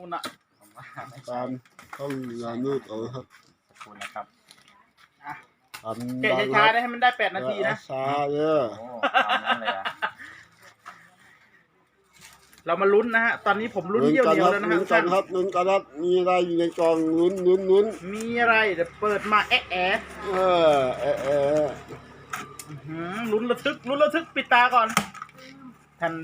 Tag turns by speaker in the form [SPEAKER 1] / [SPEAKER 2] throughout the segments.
[SPEAKER 1] คุณอะ
[SPEAKER 2] ตามต้องงานนู่นเอาครับ
[SPEAKER 3] ขอบคุณนะครับ
[SPEAKER 1] แกะช้าๆได้ให้มันได้8 นาทีนะ
[SPEAKER 2] ช้าเยอะ
[SPEAKER 3] โอ้ตามนั้นเลยอ่ะ
[SPEAKER 1] เรามาลุ้นนะฮะตอนนี้ผมลุ้นเยี่ยวเหนียวแล้วนะฮะ
[SPEAKER 2] ลุ้นกันครับลุ้นกันครับมีอะไรอยู่ในกล่องลุ้น
[SPEAKER 1] มีอะไรเดี๋ยวเปิดมาแอะแอะ ลุ้นระทึกปิดตาก่อนแทน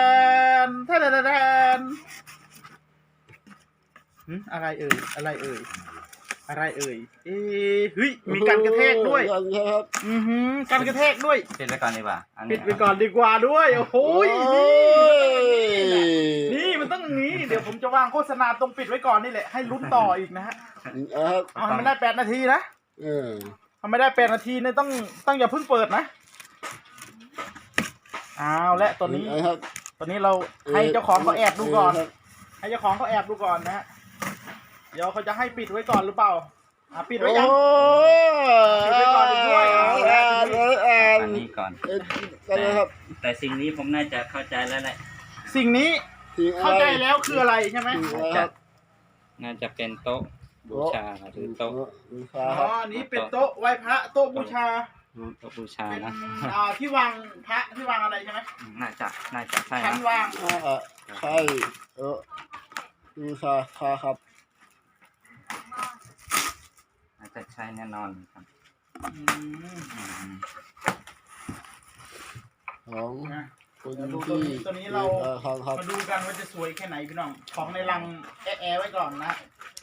[SPEAKER 1] อะไรเอ่ยเฮ้ยมีการกระแทกด้วยการกระแทกด้วย
[SPEAKER 3] ปิดไว้ก่อนดีกว่าอันนี้
[SPEAKER 1] ปิดไปก่อนดีกว่าด้วยโอ้โหนี่มันต้องอย่างนี้เดี๋ยวผมจะวางโฆษณาตรงปิดไว้ก่อนนี่แหละให้ลุ้นต่ออีกนะฮะเอาให้มันได้8 นาทีนะทำไม่ได้8 นาทีเนี่ยต้องอย่าเพิ่งเปิดนะเอาและตัวนี้เราให้เจ้าของเขาแอบดูก่อนให้เจ้าของเขาแอบดูก่อนนะฮะเดี๋ยวเขาจะให้ปิดไว้ก่อนหรือเปล่าปิดไว้ยังปิดไว้ก่อนด้วย
[SPEAKER 3] อันนี้ก่อนแต่สิ่งนี้ผมน่าจะเข้าใจแล้วแหละ
[SPEAKER 1] สิ่งนี้เข้าใจแล้วคืออะไรใช่ไหม
[SPEAKER 3] น่าจะเป็นโต๊ะบูชาหรือโต๊ะ
[SPEAKER 1] อ๋อนี้เป็นโต๊ะไหว้พระโต๊ะบูชา
[SPEAKER 3] โต๊ะบูชานะ
[SPEAKER 1] ที่วางพระที่วางอะไรใช่ไหม
[SPEAKER 3] น่าจะใช่
[SPEAKER 1] ชั้นวาง
[SPEAKER 2] ใช่บูชาครับ
[SPEAKER 3] น่าจะใช่แน่นอนครับ
[SPEAKER 2] ของ
[SPEAKER 1] คนที่ตัวนี้เรามาดูกันว่าจะสวยแค่ไหนพี่น้องของในรังแอะไว้ก่อนนะ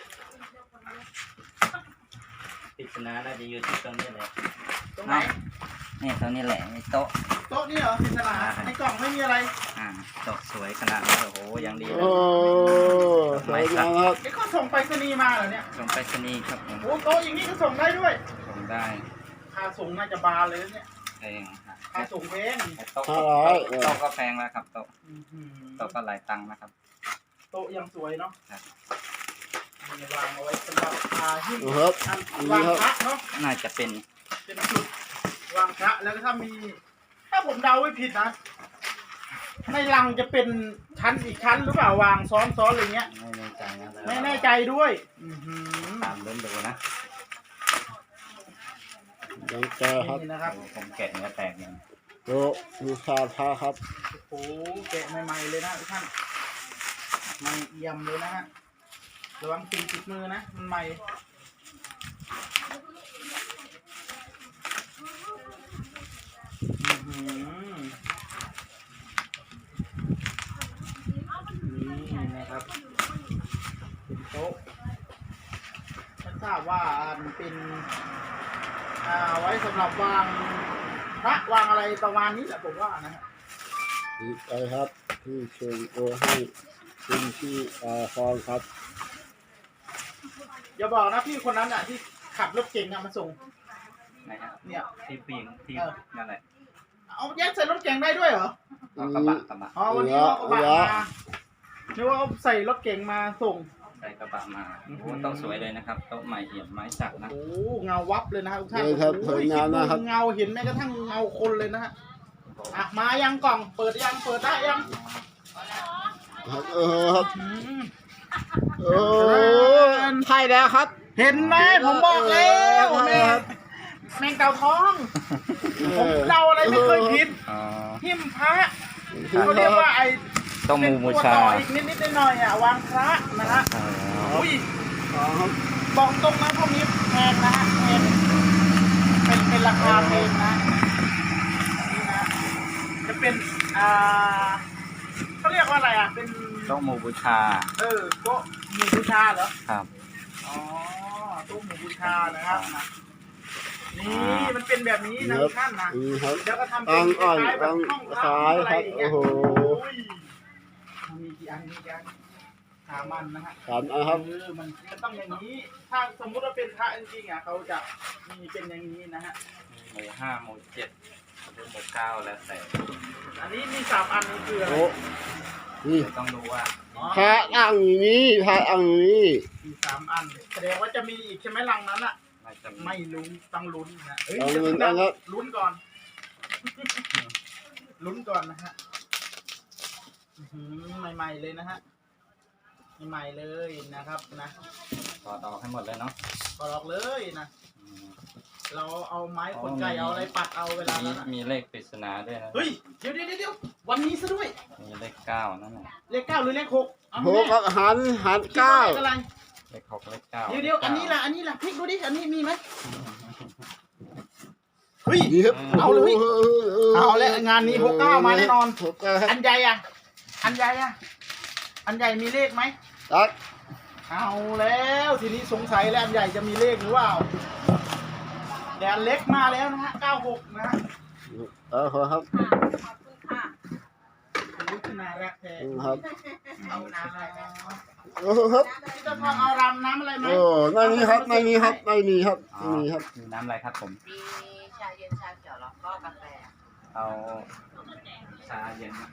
[SPEAKER 3] ปริศนาน่าจะอยู่ที่ตรงนี้แหละ
[SPEAKER 1] ตรงไหน
[SPEAKER 3] นี่ตรงนี้แหละโต๊ะ
[SPEAKER 1] นี่เหรอปริศนาในกล่องไม่มีอะไร
[SPEAKER 3] โต๊ะสวยขนาดนี้โอ้โหยังดีเลย
[SPEAKER 2] สวยงามครับ
[SPEAKER 1] เขาส่งไปรษณีย์มาเหรอเนี่ย
[SPEAKER 3] ส่งไปรษณีย์ครับ
[SPEAKER 1] โอ้โต๊ะอย่างนี้ก็ส่งได้ด้วย
[SPEAKER 3] ส่งได้
[SPEAKER 1] ค่าส่งน่าจะบานเลยเนี่ย
[SPEAKER 3] แพง
[SPEAKER 1] ค่าส่งแพง
[SPEAKER 3] โต๊ะก็แพงแล้วครับโต๊ะก็หลายตังค์นะครับ
[SPEAKER 1] โต๊ะยังสวยเนาะวางเอาไว้สำหรับหิ้งวางพระเนาะ
[SPEAKER 3] น่าจะเป็น
[SPEAKER 1] จุดวางพระแล้วก็ถ้าผมเดาไม่ผิดนะในรังจะเป็นชั้นอีกชั้นหรือเปล่าวางซ้อนอะไรเงี้ย
[SPEAKER 3] ไม่แน่ใจนะ
[SPEAKER 1] ไม่แน่ใจด้วย
[SPEAKER 3] ตามเริ่มดูนะ
[SPEAKER 2] ยังแกครับ
[SPEAKER 1] นะครับ
[SPEAKER 3] ผมแกะเนื้อแตกเนี่ย
[SPEAKER 2] โต๊ะบูชาพระครับ
[SPEAKER 1] โอ้แกะใหม่ๆเลยนะทุกท่านใหม่เอี่ยมเลยนะฮะระวังสิ่งติดมือนะมันใหม่นี่นะครับเป็นโต๊ะฉันทราบว่าเป็นไว้สำหรับวางพระวางอะไรประมาณนี้แหละผมว่านะฮะ
[SPEAKER 2] ดีใจครับที่เชิญตัวให้คุณที่ฟองครับ
[SPEAKER 1] อย่าบอกนะพี่คนนั้นอ่ะที่ขับรถเก๋งมาส่ง
[SPEAKER 3] ไหนฮะ
[SPEAKER 1] เนี่ย
[SPEAKER 3] ที่ปีนที่นั่นแหละ
[SPEAKER 1] เอาแยกใส่รถเก๋งได้ด้วยเหร
[SPEAKER 3] กระบะ
[SPEAKER 1] อ๋อวันนี้กระบะมานึกว่าเขาใส่รถเก๋งมาส่ง
[SPEAKER 3] ใส่กระบะมาโอ้ต้องสวยเลยนะครับโต๊ะใหม่เอี่ยมไม้สักนะ
[SPEAKER 1] โอ้เงาวับเลยนะครับทุกท่าน
[SPEAKER 2] สวยงามนะครับ
[SPEAKER 1] เงาเห็นแม้กระทั่งเงาคนเลยนะฮะมายังกล่องเปิดได้ยัง
[SPEAKER 2] ครับใช่แล้วครับ
[SPEAKER 1] เห็นไหมผมบอกแล้วแมงเต่าทองผมเดาอะไรไม่เคยผิดหิ้มพระเขาเรียกว่าไอ้
[SPEAKER 3] โต๊ะหมู่บูชา
[SPEAKER 1] อีกนิดหน่อยวางพระนะฮะอุ้ยบอกตรงนะพวกนี้แพงนะฮะเป็นราคาแพงนะนี่นะจะเป็นเขาเรียกว่าอะไรเป็น
[SPEAKER 3] โต๊ะหมู่บูชา
[SPEAKER 1] โต๊ะหมู่บูชาเหรอ
[SPEAKER 3] ครับ
[SPEAKER 1] อ๋อโต๊ะหมู่บูชานะครับนี่มันเป็นแบบนี้นะท่านนะแล้วก็ทำเป็นคล้ายแบบห้องพักอะไรอย่างเงี้ยโอ้โหมีกี่อัน3 อันนะฮะ
[SPEAKER 2] ครับ
[SPEAKER 1] มันต้องอย่างนี้ถ้าสมมุติว่าเป็นพระจริงๆเขาจะมีเป็นอย่างนี้นะฮะ
[SPEAKER 3] หมู่5หมู่7หมู่9แล้วแต่
[SPEAKER 1] อันนี้มี3 อันนี้คืออะไร
[SPEAKER 2] นี่
[SPEAKER 3] ต้องดูว่า
[SPEAKER 2] พระอ่างนี้
[SPEAKER 1] มี3 อันแสดงว่าจะมีอีกใช่ไหมรังนั้นอ่ะไม่รู้ต้องลุ้นนะลุ้นก่อนลุ้นก่อนนะฮะใหม่ๆเลยนะฮะใหม่เลยนะครับนะ
[SPEAKER 3] ถอดออกให้หมดเลยเนาะ
[SPEAKER 1] ก็ลอกเลยนะ
[SPEAKER 3] อืม
[SPEAKER 1] เราเอาไม้ขนไก่เอาอะไรปัดเอาเวลานั้น
[SPEAKER 3] มีเลขปริศนาด้วยนะ
[SPEAKER 1] เฮ้ยเดี๋ยววันนี้ซะด้วย
[SPEAKER 3] มีเลขเก้านั่นแหละ
[SPEAKER 1] เลข 9หรือเลข 6เอา
[SPEAKER 2] ห
[SPEAKER 1] แม่
[SPEAKER 2] กครับหัน
[SPEAKER 1] คิดว่า
[SPEAKER 2] เก้า
[SPEAKER 1] เลขอะไร
[SPEAKER 3] เลขหกเลขเก้า
[SPEAKER 1] เดี๋ยวอันนี้ล่ะพลิกดูดิอันนี้มีไหมเฮ้ย
[SPEAKER 2] นี่ครับ
[SPEAKER 1] เอาเลยเอาแล้วงานนี้69มาแน่นอน
[SPEAKER 2] 69ครับ
[SPEAKER 1] อันใหญ่อะอันใหญ่มีเลขไหม
[SPEAKER 2] ตัก
[SPEAKER 1] เอาแล้วทีนี้สงสัยแล้วอันใหญ่จะมีเลขหรือเปล่าแต่อันเล็กมาแล้วนะฮะ96นะฮะ
[SPEAKER 2] ขอครับ
[SPEAKER 1] รู้ขนาดแรกแท้
[SPEAKER 2] ครับ
[SPEAKER 1] เอาน้ำอะไรนะ
[SPEAKER 2] โอ้ครับ
[SPEAKER 1] พี่จะทองเอารำน้ำอะไรไหม
[SPEAKER 2] โอ้ไม่มีครับไม่มีครับไม่มีครับ
[SPEAKER 3] อ๋อ
[SPEAKER 2] ไม่มีครับ
[SPEAKER 3] มีน้ำอะไรครับผม
[SPEAKER 4] มีชาเย็นชาเขียวแล้วก็กาแฟ
[SPEAKER 3] เอาชาเย็นนะ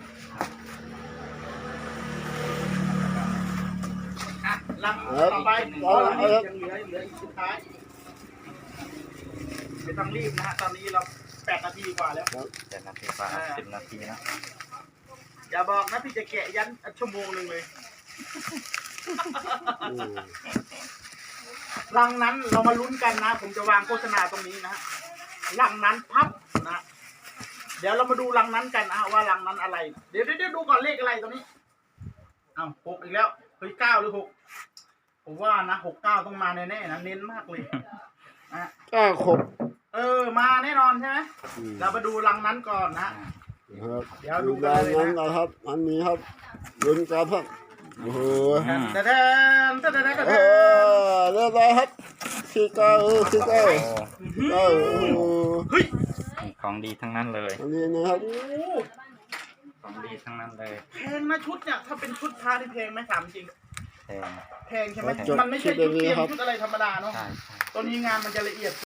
[SPEAKER 1] อ่ะรำต่อไปยังเหลืออีกสุดท้ายไม่ต้องรีบนะฮะตอนนี้เรา8 นาทีกว่าแล้ว
[SPEAKER 3] 7 นาทีกว่า10 นาทีนะ
[SPEAKER 1] อย่าบอกนะพี่จะแกะยันชั่วโมงหนึ่งเลย รังนั้นเรามาลุ้นกันนะ ผมจะวางโฆษณาตรงนี้นะฮะรังนั้นพับนะ เดี๋ยวเรามาดูรังนั้นกันนะว่ารังนั้นอะไร เดี๋ยวดูก่อนเลขอะไรตรงนี้อ้าว6อีกแล้วเฮ้ย9หรือ6ผมว่านะ69ต้องมาแน่ๆนะเน้นมากเลยนะ
[SPEAKER 2] 96
[SPEAKER 1] มาแน่นอนใช่ไหมเรามาดูรังนั้นก่อนนะ
[SPEAKER 2] ครับ
[SPEAKER 1] เดี๋ยวดู
[SPEAKER 2] ดู
[SPEAKER 1] กัน
[SPEAKER 2] ด้าน
[SPEAKER 1] เลย
[SPEAKER 2] นั้น
[SPEAKER 1] นะ
[SPEAKER 2] นะครับอันนี้ครับลุ้นกันครับโอ้โห
[SPEAKER 1] แต่
[SPEAKER 2] เรียบร้อยครับคือเก้า
[SPEAKER 3] โอ้
[SPEAKER 2] โอ้โห
[SPEAKER 1] เฮ้ย
[SPEAKER 3] ของดีทั้งนั้นเลย
[SPEAKER 2] อันนี้นะครับ
[SPEAKER 1] โอ้
[SPEAKER 3] ของดีทั้งนั้นเลย
[SPEAKER 1] แพงนะชุดเนี่ยถ้าเป็นชุดพระที่แพงไหมถามจริง
[SPEAKER 3] แพง
[SPEAKER 1] แพงใช่ไหมมันไม่ใช่ชุดเตรียมชุดอะไรธรรมดาเนาะ
[SPEAKER 3] ใช่
[SPEAKER 1] ตัวนี้งานมันจะละเอียด